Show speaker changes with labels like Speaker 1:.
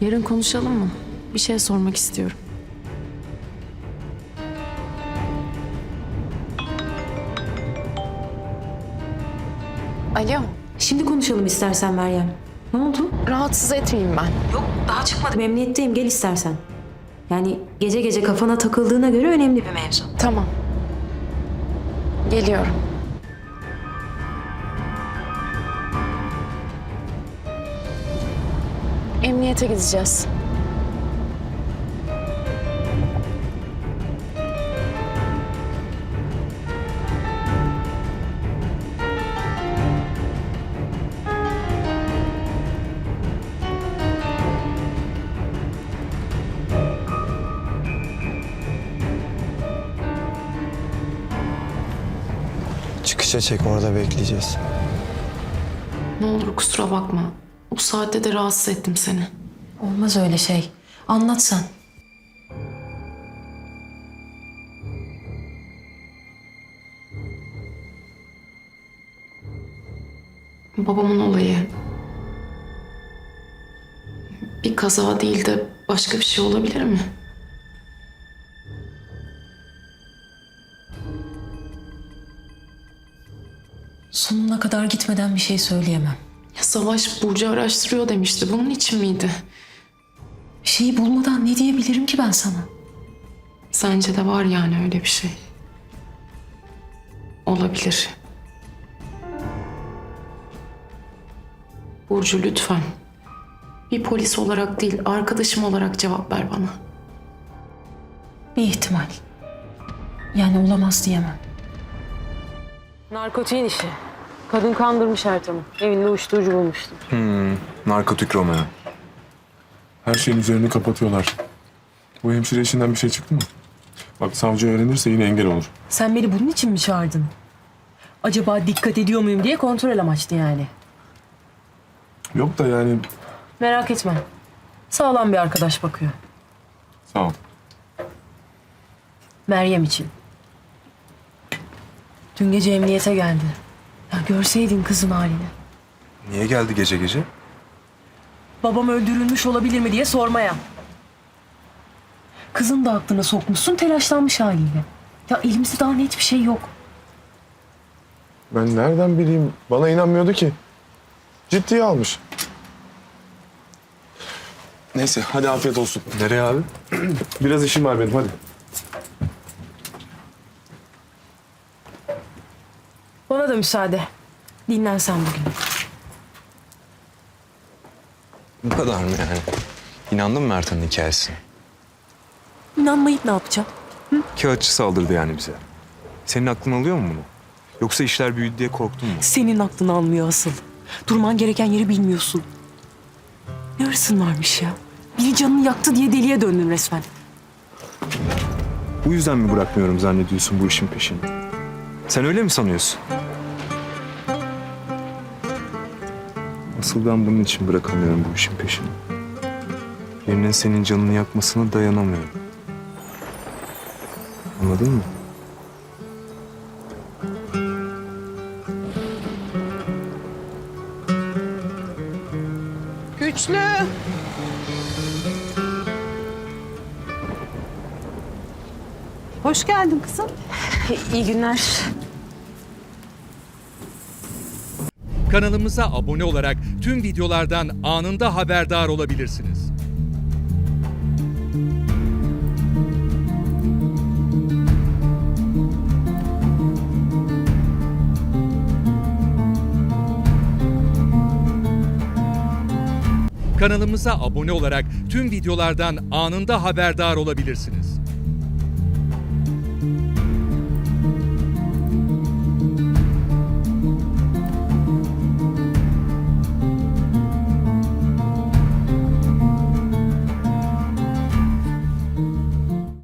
Speaker 1: Yarın konuşalım mı? Bir şey sormak istiyorum. Alo,
Speaker 2: Şimdi konuşalım istersen Meryem. Ne oldu?
Speaker 1: rahatsız etmeyeyim ben.
Speaker 2: Yok, daha çıkmadım. Emniyetteyim, gel istersen. Yani gece gece kafana takıldığına göre önemli bir mevzu.
Speaker 1: Tamam. Geliyorum. Emniyete gideceğiz.
Speaker 3: Çıkışa çek, orada bekleyeceğiz.
Speaker 1: Ne olur kusura bakma. Bu saatte de rahatsız ettim seni.
Speaker 2: Olmaz öyle şey. Anlat sen.
Speaker 1: Babamın olayı. Bir kaza değil de başka bir şey olabilir mi?
Speaker 2: Sonuna kadar gitmeden bir şey söyleyemem.
Speaker 1: Ya Savaş Burcu araştırıyor demişti. Bunun için miydi?
Speaker 2: Bir şeyi bulmadan ne diyebilirim ki ben sana?
Speaker 1: Sence de var yani öyle bir şey. Olabilir. Burcu lütfen. Bir polis olarak değil, arkadaşım olarak cevap ver bana.
Speaker 2: Bir ihtimal. Yani olamaz diyemem.
Speaker 4: Narkotiğin işi. Kadın kandırmış Ertan'ı. Evinde uyuşturucu bulmuştu.
Speaker 5: Narkotik Romeo.
Speaker 6: Her şeyin üzerini kapatıyorlar. Bu hemşire işinden bir şey çıktı mı? Bak savcı öğrenirse yine engel olur.
Speaker 4: Sen beni bunun için mi çağırdın? Acaba dikkat ediyor muyum diye kontrol amaçlı yani.
Speaker 6: Yok da yani
Speaker 4: Merak etme. Sağlam bir arkadaş bakıyor.
Speaker 6: sağ ol.
Speaker 4: Meryem için. Dün gece emniyete geldi. Ya görseydin kızın halini.
Speaker 5: Niye geldi gece gece?
Speaker 4: Babam öldürülmüş olabilir mi diye sormaya. Kızın da aklına sokmuşsun, telaşlanmış haliyle. Ya elimizde daha net bir şey yok.
Speaker 6: Ben nereden bileyim? Bana inanmıyordu ki. Ciddiye almış. Neyse hadi afiyet olsun.
Speaker 5: Nereye abi?
Speaker 6: Biraz işim var benim hadi.
Speaker 4: Bana da müsaade. Dinlen sen bugün.
Speaker 5: Bu kadar mı yani? İnandın mı Ertan'ın hikayesine?
Speaker 4: İnanmayıp ne yapacağım?
Speaker 5: Kağıtçı saldırdı yani bize. Senin aklın alıyor mu bunu? Yoksa işler büyüdü diye korktun mu?
Speaker 4: Senin aklını almıyor asıl. Durman gereken yeri bilmiyorsun. Ne hırsın varmış ya? Biri canını yaktı diye deliye döndün resmen.
Speaker 5: Bu yüzden mi bırakmıyorum zannediyorsun bu işin peşini? Sen öyle mi sanıyorsun? Asıl ben bunun için bırakamıyorum bu işin peşini. Birinin senin canını yakmasına dayanamıyorum. Anladın mı?
Speaker 4: Güçlü!
Speaker 7: Hoş geldin kızım.
Speaker 4: İyi günler.
Speaker 8: Kanalımıza abone olarak tüm videolardan anında haberdar olabilirsiniz. Kanalımıza abone olarak tüm videolardan anında haberdar olabilirsiniz.